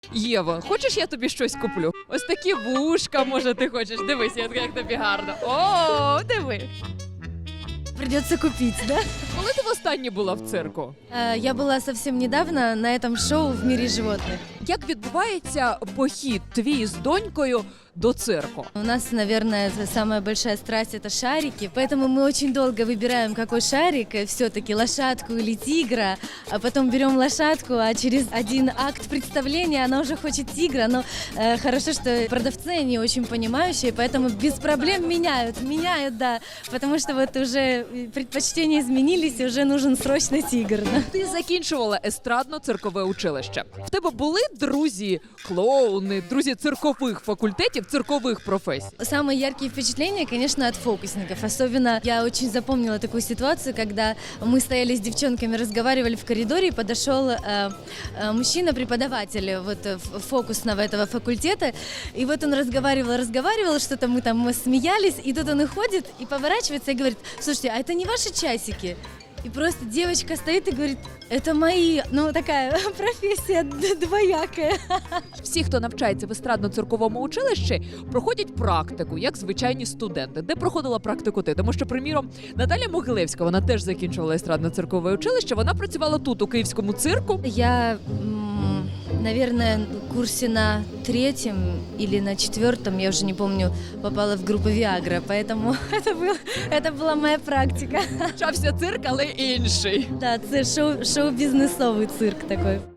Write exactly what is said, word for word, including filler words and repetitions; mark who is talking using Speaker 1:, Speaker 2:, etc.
Speaker 1: Єва, хочеш, я тобі щось куплю? Ось такі вушка, може, ти хочеш. Дивись, як як тобі гарно. О, диви.
Speaker 2: Придется купить, да?
Speaker 1: Коли ти востаннє була в цирку?
Speaker 2: Э, Я была совсем недавно на этом шоу «В мире животных».
Speaker 1: Як відбувається похід твій з донькою до цирку?
Speaker 2: У нас, наверное, самая большая страсть – это шарики, поэтому мы очень долго выбираем, какой шарик, э, все-таки лошадку или тигра, а потом берем лошадку, а через один акт представления она уже хочет тигра, но э, хорошо, что продавцы, они очень понимающие, поэтому без проблем меняют, меняют, да, потому что вот уже предпочтения изменились, и уже нужен срочно тигр. Да?
Speaker 1: Ти закінчувала естрадно-циркове училище. В тебе були друзі, клоуни, друзі циркових факультетів, циркових професій?
Speaker 2: Самые яркие впечатления, конечно, от фокусников. Особенно я очень запомнила такую ситуацию, когда мы стояли с девчонками, разговаривали в коридоре, и подошел э, э, мужчина-преподаватель вот, э, фокусного этого факультета. И вот он разговаривал, разговаривал, что-то мы там смеялись, и тут он и ходит, и поворачивается, и говорит: слушайте, а это не ваши часики? И просто девочка стоит и говорит: это мои. Ну, такая профессия двоякая.
Speaker 1: Всі, хто навчається в естрадно-цирковому училищі, проходять практику, як звичайні студенти. Де проходила практику ти? Тому що, приміром, Наталя Могилевська, вона теж закінчувала естрадно-циркове училище, вона працювала тут, у Київському цирку.
Speaker 2: Я, м, наверное, в курсе на третьем или на четвертом, я уже не помню, попала в группу Viagra, поэтому это, был, это была моя практика.
Speaker 1: Почався цирк, але інший.
Speaker 2: Да, це шоу, шоу-бізнесовий цирк такой.